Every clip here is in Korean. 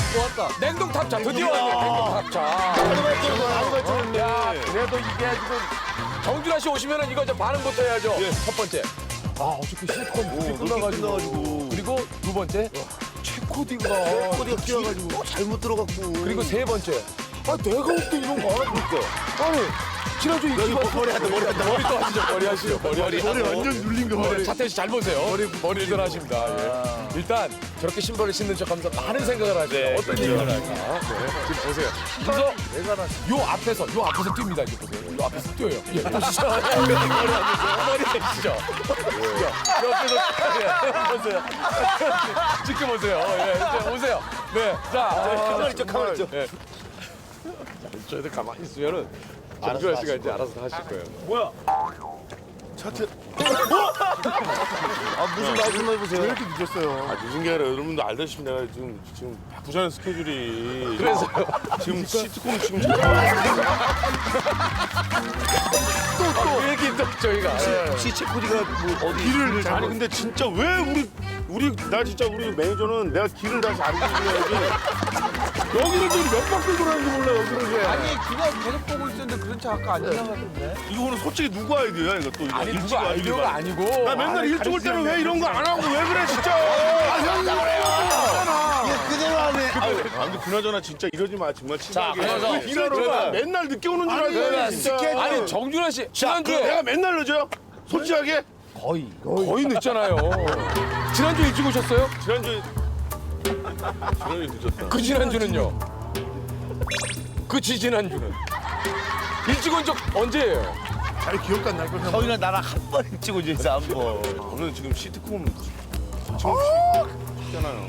냉동 탑차 드디어 왔네. 냉동 탑차. 야, 그래도 이게 지금 정준하 씨 오시면은 이거 저 반응부터 해야죠. 첫 번째. 아, 어저께 시트콤 끝나가지고. 그리고 두 번째. 최코디가 뛰어가지고 잘못 들어갔고. 그리고 세 번째. 아, 내가 올 때 이런 거 안 하니까. 아니, 지난주 이 머리 한다. 머리 또 하시죠. 머리 하시죠. 머리 완전 눌린 거 머리 차태현 씨 잘 보세요. 머리를 하십니다. 예. 일단 저렇게 신발을 신는 척하면서 많은 생각을 하죠. 어떤 얘기를 할까? 네. 지금 보세요. 그래서 요 앞에서 뜁니다. 이제 보세요. 요 앞에서 뛰어요. 예, 보시죠. 머리 하시죠. 옆에서 보세요. 지켜보세요. 예, 이제 오세요. 네, 자, 가만히 있죠. 예. 저희들 가만히 있으면은 정준하 씨가 이제 알아서 하실 거예요. 차트. 무슨 말씀 해보세요. 왜 이렇게 늦었어요? 늦은 게 아니라 여러분도 알다시피 내가 지금 바쁘잖아요 스케줄이. 그래서요. 지금 시트콤 지금 또 얘기 또 저희가. 혹시 체코디가 뭐 어디 길을 아니 근데 진짜 왜 나 진짜 우리 매니저는 내가 길을 다시 알려줘야지. 여기를 지금 몇 바퀴 돌았는지 몰라 여기를 왜. 아니 그냥 계속 보고 있었는데 그런 차 아까 안 지나갔던데. 이거는 솔직히 누구 아이디어야 이거 또 이거. 아니 일찍 누가 아이디어가 와야지. 아니고. 나 맨날 일찍 올 때는 왜 이런 거 안 하고 왜 그래 진짜. 그대로 하네. 아 근데 그나저나 진짜 이러지 마 정말 친하게. 그래서 이러지 마. 맨날 늦게 오는 줄 알고 진짜. 아니 정준하 씨 그 지난주에 내가 맨날 늦어요? 솔직하게? 거의 늦잖아요. 지난주 일찍 오셨어요? 지난주에 늦었다. 그 지난주는요? 그 지지난주는? 일찍 온 적 언제예요? 잘 기억도 안 날 거야. 형이랑 나랑 한 번 찍고 있어 한 번. 저는 지금 시트콤 지금 쉽잖아요.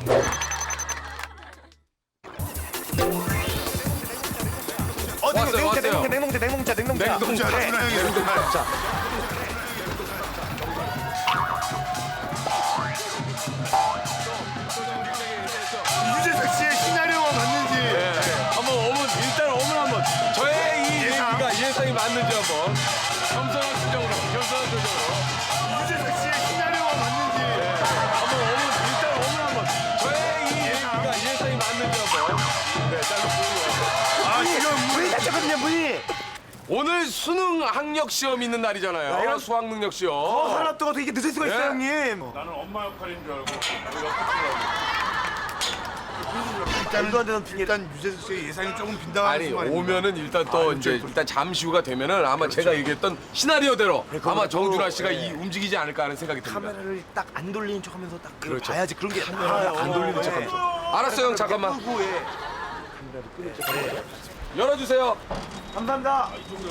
왔어요. 냉동차. 냉동차. 유재석 씨의 시나리오가 맞는지. 한번 일단 한번 저의 이 얘기가 예상이 맞는지 한번 겸손한 표정으로. 유재석 씨의 시나리오가 맞는지. 한번 저의 이 얘기가 예상이 맞는지 한번. 네, 짧게 보고. 아 지금 문이 닫혔거든요 문이. 오늘 수능 학력 시험 있는 날이잖아요. 수학 능력 시험. 하나 뜨고 이게 늦을 수가 있어요 네. 형님. 나는 엄마 역할인 줄 알고. 말도 안 되는 핑계. 일단 유재석 씨의 예상이 조금 빈당한 아니 말입니다. 오면은 일단 또 이제 일단 잠시 후가 되면은 아마 제가 얘기했던 시나리오대로 아마 정준하 씨가 이 움직이지 않을까 하는 생각이 듭니다. 카메라를 딱 안 돌리는 척하면서 딱 그렇죠. 봐야지 그런 게 안 돌리는 척하면서. 알았어요, 형 잠깐만. 끄고, 예. 열어주세요. 감사합니다.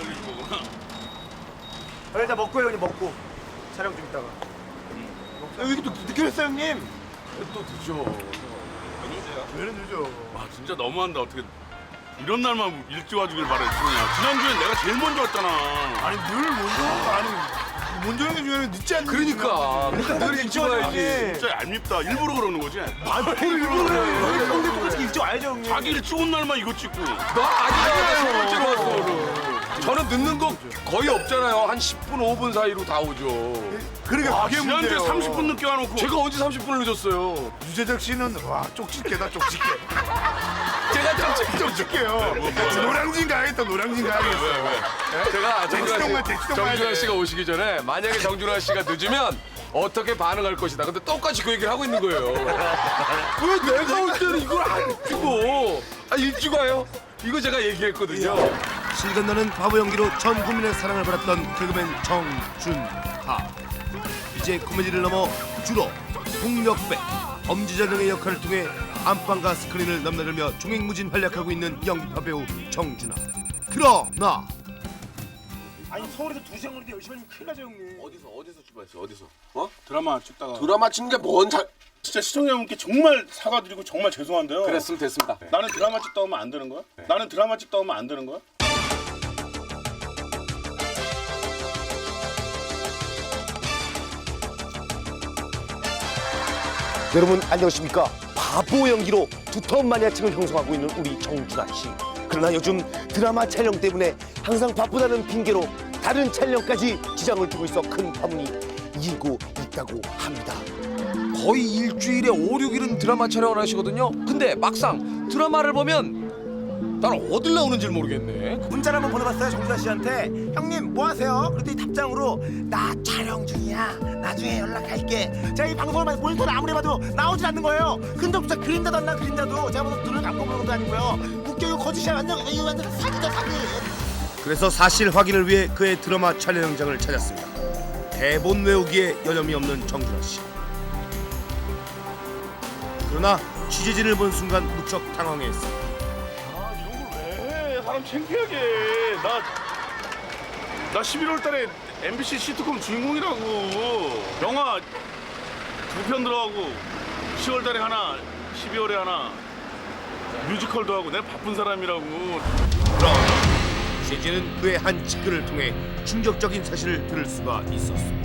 일단 먹고요 형님 먹고 촬영 좀 이따가. 여기 또 늦게 했어요 형님. 또 드죠. 왜 늦어? 아 진짜 너무한다 어떻게 이런 날만 일찍 와주길 바랬으냐. 지난주엔 내가 제일 먼저 왔잖아. 아니 늘 먼저 오는 거 아니. 먼저 오는 게 중요한 늦지 않는. 그러니까 늘 일찍 와야지. 진짜 얄밉다. 일부러 그러는 거지. 형님 똑같이 일찍 와야죠 형님. 자기 일찍 온 날만 이거 찍고. 나 아니야. 세 번째로 왔어 오늘. 저는 늦는 거 거의 없잖아요. 한 10분, 5분 사이로 다 오죠. 그러니까 그게 지난주에 문제예요. 30분 늦게 와놓고. 제가 언제 30분을 늦었어요? 유재석 씨는 와 쪽집게다 쪽집게. 제가 좀 쪽집게요. 노량진 가야겠다 노량진 가야겠어. 제가 대치동만 정준하 가야 씨가 오시기 전에 만약에 정준하 씨가 늦으면 어떻게 반응할 것이다. 근데 똑같이 그 얘기를 하고 있는 거예요. 왜 내가 올 때는 이걸 안 찍고 일찍 와요? 이거 제가 얘기했거든요. 실 건너는 바보 연기로 전 국민의 사랑을 받았던 개그맨 정준하. 이제 코미디를 넘어 주로 폭력배, 범죄자 등의 역할을 통해 안방과 스크린을 넘나들며 종횡무진 활약하고 있는 연기파 배우 정준하. 그러나 아니 서울에서 2시간 걸리는데 열심히 하면 큰일 나죠 형님. 어디서 출발했어? 어디서? 드라마 찍다가. 드라마 찍는 게뭔 진짜 시청자분께 정말 사과드리고 정말 죄송한데요. 그랬으면 됐습니다. 나는 드라마 찍다 오면 안 되는 거야? 나는 드라마 찍다 오면 안 되는 거야? 여러분 안녕하십니까? 바보 연기로 두터운 마니아층을 형성하고 있는 우리 정준하 씨. 그러나 요즘 드라마 촬영 때문에 항상 바쁘다는 핑계로 다른 촬영까지 지장을 주고 있어 큰 파문이 일고 있다고 합니다. 거의 일주일에 5, 6일은 드라마 촬영을 하시거든요. 근데 막상 드라마를 보면 난 어딜 나오는지 모르겠네. 문자를 한번 보내봤어요 정준하 씨한테. 형님 뭐 하세요? 그랬더니 답장으로 나 촬영 중이야. 나중에 연락할게. 제가 이 방송을 모니터를 아무리 봐도 나오질 않는 거예요. 근데 진짜 그림자도 안 나 그림자도. 제가 무슨 눈을 감고 보는 것도 아니고요. 웃겨 이거 거짓이야 완전 이거 완전 사기다 사기. 그래서 사실 확인을 위해 그의 드라마 촬영 현장을 찾았습니다. 대본 외우기에 여념이 없는 정준하 씨. 그러나 취재진을 본 순간 무척 당황했습니다. 아 이런 걸 왜 해? 사람 창피하게. 나 11월 달에 MBC 시트콤 주인공이라고. 영화 2편 들어가고 10월 달에 하나, 12월에 하나 뮤지컬도 하고 내가 바쁜 사람이라고. 취재진은 그의 한 직글을 통해 충격적인 사실을 들을 수가 있었습니다.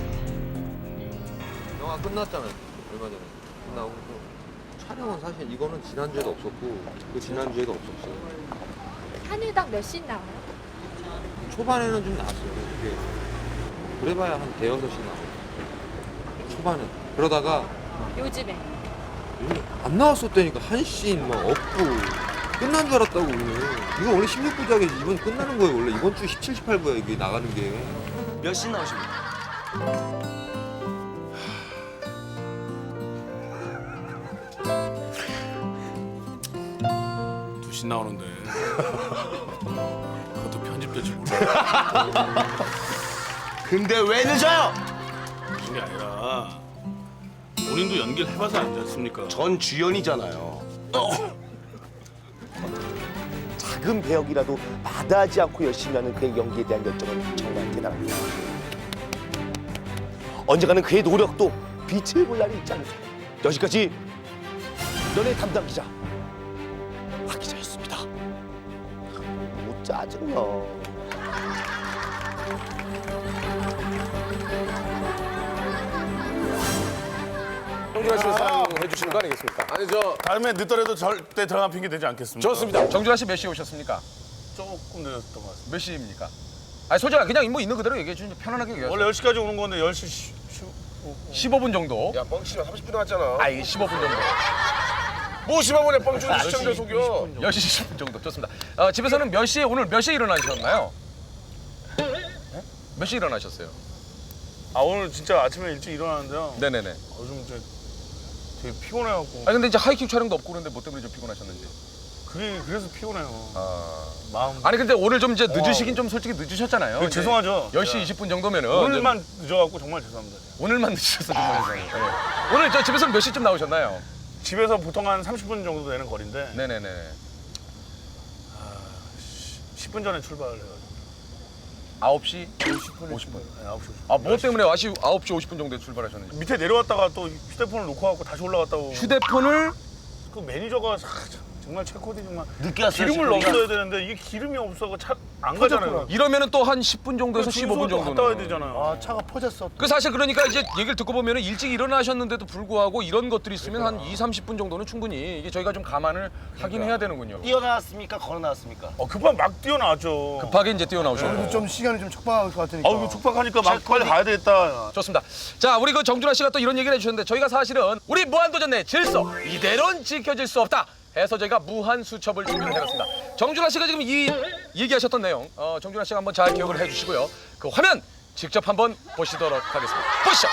영화 끝났잖아요. 얼마 전에 끝나고 촬영은 사실 이거는 지난주에도 없었고 그 지난주에도 없었어요. 한 일당 몇 씬 나와요? 초반에는 좀 나왔어요. 이게 그래봐야 한 대여섯 씬 나와요. 초반에. 그러다가 요즘에 요즘 안 나왔었다니까 한 씬 막 없고 끝난 줄 알았다고 우리는. 이거 원래 16부작이지. 이번 끝나는 거예요 원래. 이번 주 17, 18부야 이게 나가는 게. 몇 씬 나오십니까? 두신 나오는데 그것도 편집될지 몰라. 근데 왜 늦어요? 무슨 게 아니라 본인도 연기를 해봐서 알지 않습니까? 전 주연이잖아요. 작은 배역이라도 마다하지 않고 열심히 하는 그의 연기에 대한 열정은 정말 대단합니다. 언젠가는 그의 노력도 빛을 볼 날이 있지 않을까. 여기까지 연예 담당 기자 박 기자였습니다. 못 짜증나. 정준하 씨를 사랑해 주시는 거 아니겠습니까? 아니 다음에 늦더라도 절대 드라마 핑계 되지 않겠습니다. 좋습니다. 정준하 씨 몇 시에 오셨습니까? 조금 늦었던 것 같습니다. 몇 시입니까? 아니 솔직하게 그냥 뭐 있는 그대로 얘기해 주시면 편안하게 얘기하세요. 원래 10시까지 오는 건데 10시 15분 정도. 야 뻥치면 30분 남았잖아. 아이 15분 정도. 뭐 15분에 뻥치는 시청자 속여. 10시 10분 정도. 좋습니다. 집에서는 몇 시에 오늘 몇 시에 일어나셨나요? 몇 시에 일어나셨어요? 아 오늘 진짜 아침에 일찍 일어나는데요. 네네네. 요즘 이제 되게 피곤해갖고 아니 근데 이제 하이킥 촬영도 없고 그런데 뭐 때문에 좀 피곤하셨는지. 그래서 피곤해요. 아. 마음. 아니 근데 오늘 좀 이제 늦으시긴 좀 솔직히 늦으셨잖아요. 그 죄송하죠. 10시 20분 정도면은 오늘만 늦어갖고 정말 죄송합니다. 오늘만 늦으셔서 정말 죄송해요. 네. 오늘 저 집에서는 몇 시쯤 나오셨나요? 집에서 보통 한 30분 정도 되는 거리인데 네네네. 10분 전에 출발을 해가지고 9시 50분. 네, 9시 50분. 아, 뭐 때문에 9시 50분 정도에 출발하셨는지. 밑에 내려왔다가 또 휴대폰을 놓고 가고 다시 올라갔다고. 휴대폰을 그 매니저가 정말 최코디 정말 늦게 왔어요. 기름을 넣었어야 되는데 이게 기름이 없어서 차 안 가잖아요. 이러면은 또 한 10분 정도에서 15분 정도. 갔다 와야 되잖아요. 아 차가 퍼졌어. 그 사실 그러니까 이제 얘기를 듣고 보면은 일찍 일어나셨는데도 불구하고 이런 것들이 있으면 한 2, 30분 정도는 충분히 이게 저희가 좀 감안을 하긴 해야 되는군요. 뛰어나왔습니까? 걸어나왔습니까? 급하게 막 뛰어나왔죠. 급하게 이제 뛰어나오셨고. 좀 시간이 좀 촉박할 것 같으니까. 아우 이거 촉박하니까 막 빨리 가야 되겠다. 좋습니다. 자, 우리 그 정준하 씨가 또 이런 얘기를 해주셨는데 저희가 사실은 우리 무한도전 내 질서 이대로는 지켜질 수 없다 해서 저희가 무한 수첩을 준비를 해봤습니다. 정준하 씨가 지금 이 얘기하셨던 내용 정준하 씨가 한번 잘 기억을 해주시고요. 그 화면 직접 한번 보시도록 하겠습니다. 보시죠.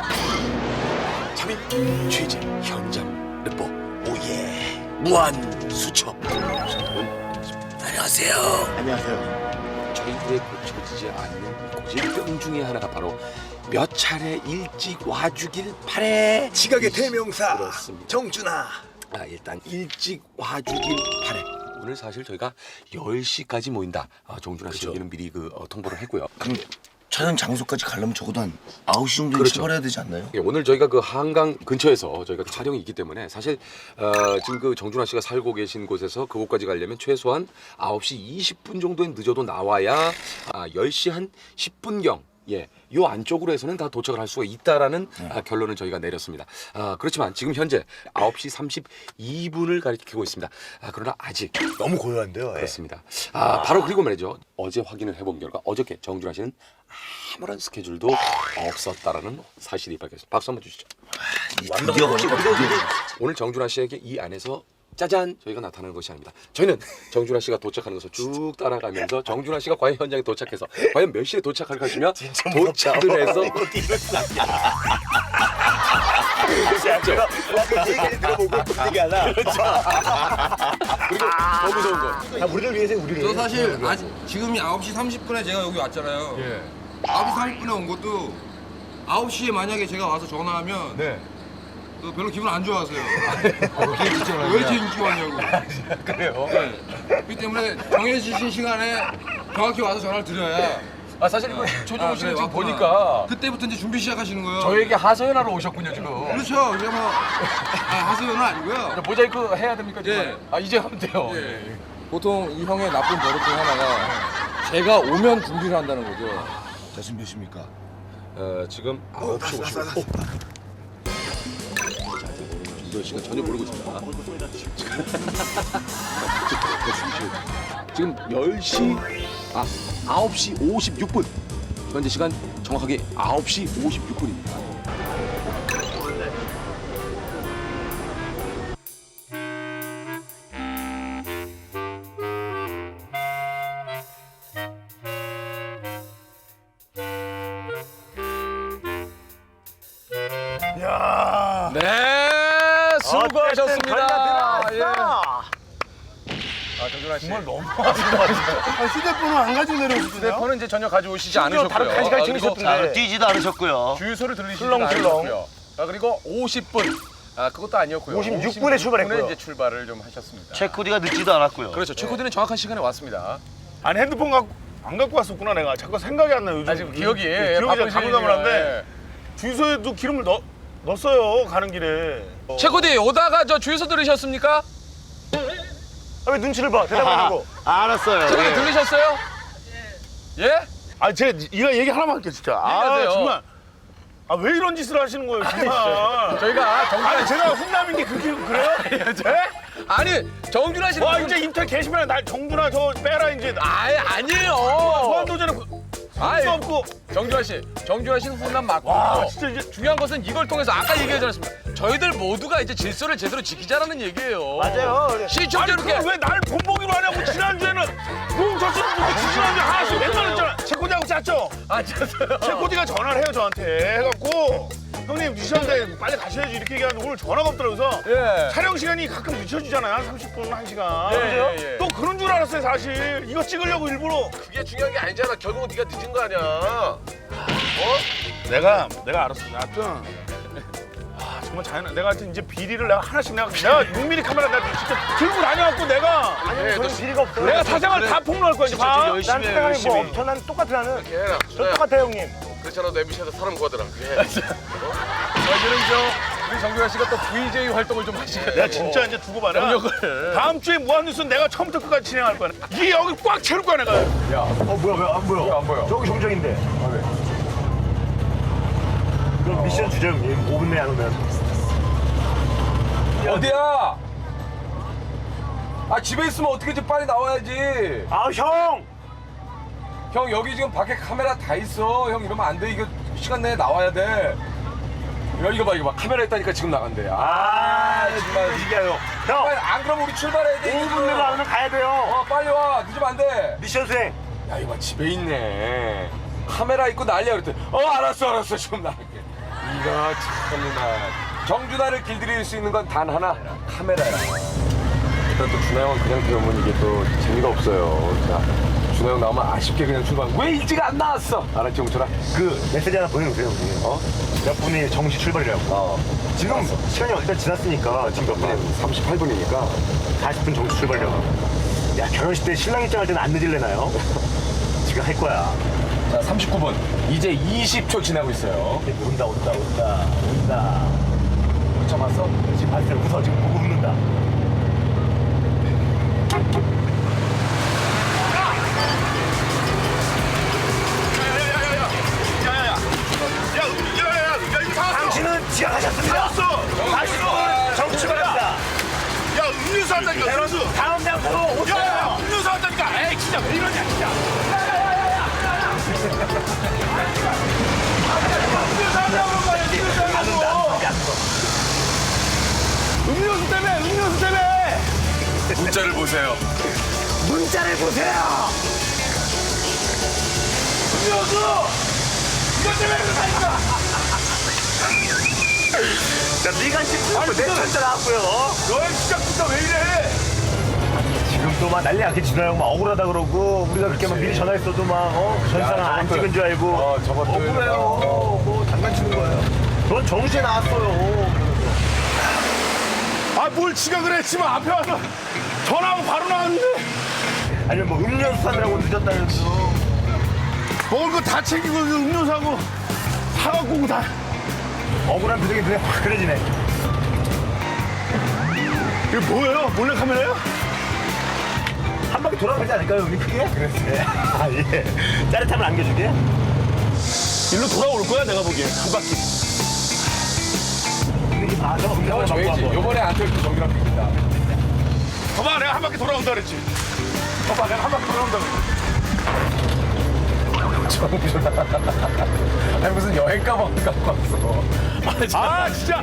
잠입 취재 현장 르포 오예 무한 수첩. 안녕하세요. 안녕하세요. 저희들의 고쳐지지 않는 고질병 중에 하나가 바로 몇 차례 일찍 와주길 바래. 지각의 대명사 그렇습니다. 정준하. 일단 일찍 와주길 바래. 오늘 사실 저희가 10시까지 모인다. 정준하 씨 여기는 미리 통보를 했고요. 그럼 촬영 장소까지 가려면 적어도 한 9시 정도에 그렇죠. 출발해야 되지 않나요? 예, 오늘 저희가 그 한강 근처에서 저희가 촬영이 있기 때문에 사실 지금 그 정준하 씨가 살고 계신 곳에서 그곳까지 가려면 최소한 9시 20분 정도에 늦어도 나와야 10시 한 10분경 요 안쪽으로 해서는 다 도착을 할 수가 있다라는 결론을 저희가 내렸습니다. 그렇지만 지금 현재 9시 32분을 가리키고 있습니다. 그러나 아직 너무 고요한데요. 그렇습니다. 바로 그리고 말이죠. 어제 확인을 해본 결과 어저께 정준하 씨는 아무런 스케줄도 없었다라는 사실이 밝혀졌습니다. 박수 한번 주시죠. 드디어 걸렸다. 오늘 정준하 씨에게 이 안에서 짜잔 저희가 나타나는 것이 아닙니다. 저희는 정준하 씨가 도착하는 것을 쭉 따라가면서 정준하 씨가 과연 현장에 도착해서 과연 몇 시에 도착할 것이며 도착을 해서 제가 그 얘기를 들어보고 그 얘기 하나. 그리고 더 무서운 거 우리를 위해서 우리를. 저 사실 아직 지금이 9시 30분에 제가 여기 왔잖아요. 예. 9시 30분에 온 것도 9시에 만약에 제가 와서 전화하면 네. 별로 기분 안 좋아하세요. 왜 이렇게 일찍 왔냐고. 그래요? 그렇기 때문에 정해주신 시간에 정확히 와서 전화를 드려야 아 사실 이거 조정우 씨는 지금 왔구나. 보니까 그때부터 이제 준비 시작하시는 거예요. 저에게 하소연하러 오셨군요 지금. 그렇죠. 이게 뭐 하소연은 아니고요. 모자이크 해야 됩니까 지금? 예. 아 이제 하면 돼요. 예. 보통 이 형의 나쁜 버릇 중 하나가 제가 오면 준비를 한다는 거죠. 자, 지금 몇 시입니까? 지금 9시 55분. 저 시간 전혀 모르고 있습니다. 지금 10시 9시 56분. 현재 시간 정확하게 9시 56분입니다. 네, 수고하셨습니다. 예. 아, 정준하 씨. 정말 너무 휴대폰을 안 가지고 내려오셨어요? 휴대폰은 이제 전혀 가져오시지 않으셨고요. 다른 간식까지 그리고 챙기셨던데. 뛰지도 않으셨고요. 주유소를 들리시지 출렁출렁. 않으셨고요. 그리고 50분. 그것도 아니었고요. 56분에 출발했고요. 이제 출발을 좀 하셨습니다. 체코디가 늦지도 않았고요. 그렇죠. 최코디는 정확한 시간에 왔습니다. 아니 핸드폰 안 갖고 왔었구나 내가. 자꾸 생각이 안 나요 요즘. 지금 기억이 기억이 바쁘시네요. 가물가물한데 주유소에도 기름을 넣었어요 가는 길에. 최코디 오다가 저 주유소 들으셨습니까? 왜 눈치를 봐? 대답하고. 알았어요. 최코디 예. 들으셨어요? 예? 아 제가 이거 얘기 하나만 할게요 진짜. 얘기하세요. 아 정말. 아 왜 이런 짓을 하시는 거예요 정말. 저희가 정준하 아니 제가 훈남인 게 그렇게 그래요? 아니 정준하 씨 와 이제 인터넷 게시판에 날 정준하 저 빼라 이제. 아니에요. 무한도전에 아이, 수 없고. 정준하 씨는 훈남 맞고 와 진짜 이제. 중요한 것은 이걸 통해서 아까 얘기하지 않았습니까? 저희들 모두가 이제 질서를 제대로 지키자라는 얘기예요. 맞아요. 시청자 아니 이렇게 그걸 왜 날 본보기로 하냐고. 지난주에는 뭉쳐지는 분들 지난주에 하나씩 맨날 했잖아. 체코디하고 짰죠? 짰어요. 체코디가 전화를 해요 저한테 해갖고 형님 늦으셨는데 빨리 가셔야지 이렇게 얘기하는데 오늘 전화가 없더라고요. 그래서 예. 촬영 시간이 가끔 늦춰지잖아요. 한 30분, 1시간. 예, 예. 또 그런 줄 알았어요 사실. 이거 찍으려고 일부러. 그게 중요한 게 아니잖아. 결국은 네가 늦은 거 아니야. 내가 알았어. 하여튼 정말 자연한. 내가 하여튼 이제 비리를 내가 하나씩 내가 6mm 카메라 내가 진짜 들고 다녀갖고 내가 아니, 저는 비리가 없어요. 내가 사생활 다 폭로할 거야 이제 봐. 난 생각이 뭐 없죠. 난 똑같아 나는. 저 똑같아요 형님. 그렇잖아. 내 미션에서 사람 구하더라. 그게. 저희들은 우리 정준하 씨가 또 VJ 활동을 좀 하시게 내가 진짜 이제 두고 봐라. 경력을. 다음 주에 무한뉴스는 내가 처음부터 끝까지 진행할 거야. 이게 여기 꽉 채울 거야 내가. 뭐야 왜 안 보여? 왜 안 보여? 저기 정정인데. 그럼 미션 주죠 형님. 5분 내에 안 오면. 어디야? 집에 있으면 어떻게 좀 빨리 나와야지. 아 형. 형 여기 지금 밖에 카메라 다 있어. 형 이러면 안 돼. 이거 시간 내에 나와야 돼. 이거 봐. 카메라 있다니까 지금 나간대. 정말. 이게요. 형. 안 그러면 우리 출발해야 돼. 5분 내로 안 오면 가야 돼요. 빨리 와. 늦으면 안 돼. 미션 수행. 야 이거 봐, 집에 있네. 카메라 있고 난리야 그랬더니 알았어 지금 나갈게. 이거 참나. 정준하를 길들일 수 있는 건 단 하나, 카메라야. 일단 또 준하 형은 그냥 들어오면 이게 또 재미가 없어요. 자, 준하 형 나오면 아쉽게 그냥 출발. 왜 일찍 안 나왔어? 알았지 홍철아? 그 메시지 하나 보내주세요 형님. 몇 분이 정시 출발이라고. 지금 시간이 일단 지났으니까 지금 몇 분이에요? 38분이니까 40분 정시 출발이라고. 야 결혼식 때 신랑 입장할 때는 안 늦을래나요? 지금 할 거야. 자, 39분. 이제 20초 지나고 있어요. 온다. 잡았어? 지금 봤어요. 웃어 지금 보고 웃는다. 당신은 지각하셨습니다. 다시 정치 출발합니다. 야 음료수 한다니까 음료수. 다음 장소로 오세요. 야 음료수 한다니까. 에이 진짜 왜 이러냐 진짜. 음료수 한다고 말이야. 음료수 때문에. 문자를 보세요. 문자를 보세요. 음료수! 이것 때문에 그러니까! 자, 네가 지금 내 천자 나왔고요. 너의 시작부터 왜 이래? 지금 또 막 난리 났겠지. 준하 형 막 억울하다 그러고 우리가 그렇게 막 미리 전화했어도 막 전화는 안 찍은 줄 알고 저것도 억울해요. 뭐 장난치는 거예요. 넌 정시에 나왔어요. 아, 뭘 지각을 했지만 앞에 와서 전화하고 바로 나왔는데 아니면 뭐 음료수 사느라고 늦었다면서. 먹을 거 다 챙기고 음료사고 사갖고 오고 다 억울한 표정이 눈에 확 그려지네. 이게 뭐예요? 몰래카메라요? 한 바퀴 돌아가지 않을까요, 우리 크게? 그래. 아, 예. 짜릿함을 안겨주게? 일로 돌아올 거야 내가 보기엔 한 바퀴. 아, 너 음료수 저희지. 요번에 안 들고 정준하 PD입니다. 봐봐, 내가 한 바퀴 돌아온다 그랬지. 봐봐, 내가 한 바퀴 돌아온다 그랬지. 아니 무슨 여행 가방 갖고 왔어. 아, 진짜.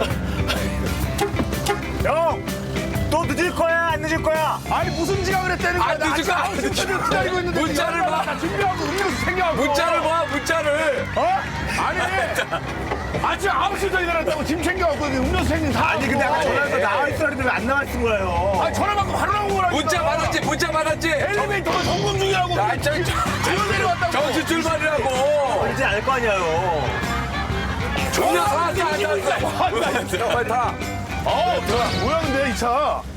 형! 또 늦을 거야, 안 늦을 거야? 아니 무슨 지각을 했다는 거야? 안 늦을 거야, 안 늦을 거야. 기다리고 있는데 문자를 봐. 나 준비하고 음료수 챙겨갖고. 문자를 봐, 문자를. 어? 아니 아침 9시부터 일어났다고 짐 챙겨갖고 음료수 챙긴 다. 아니, 근데 아까 전화해서 나와 있으라 그랬는데 왜 안 나와 있은 거예요? 아, 전화 받고 바로 나온 거라니까. 문자 받았지. 엘리베이터가 점검 중이라고. 야, 지금 내려왔다고. 정신 출발이라고. 걸리지 않을 거 아니에요. 종료 다 앉아. 빨리 타. 뭐야 근데 이 차.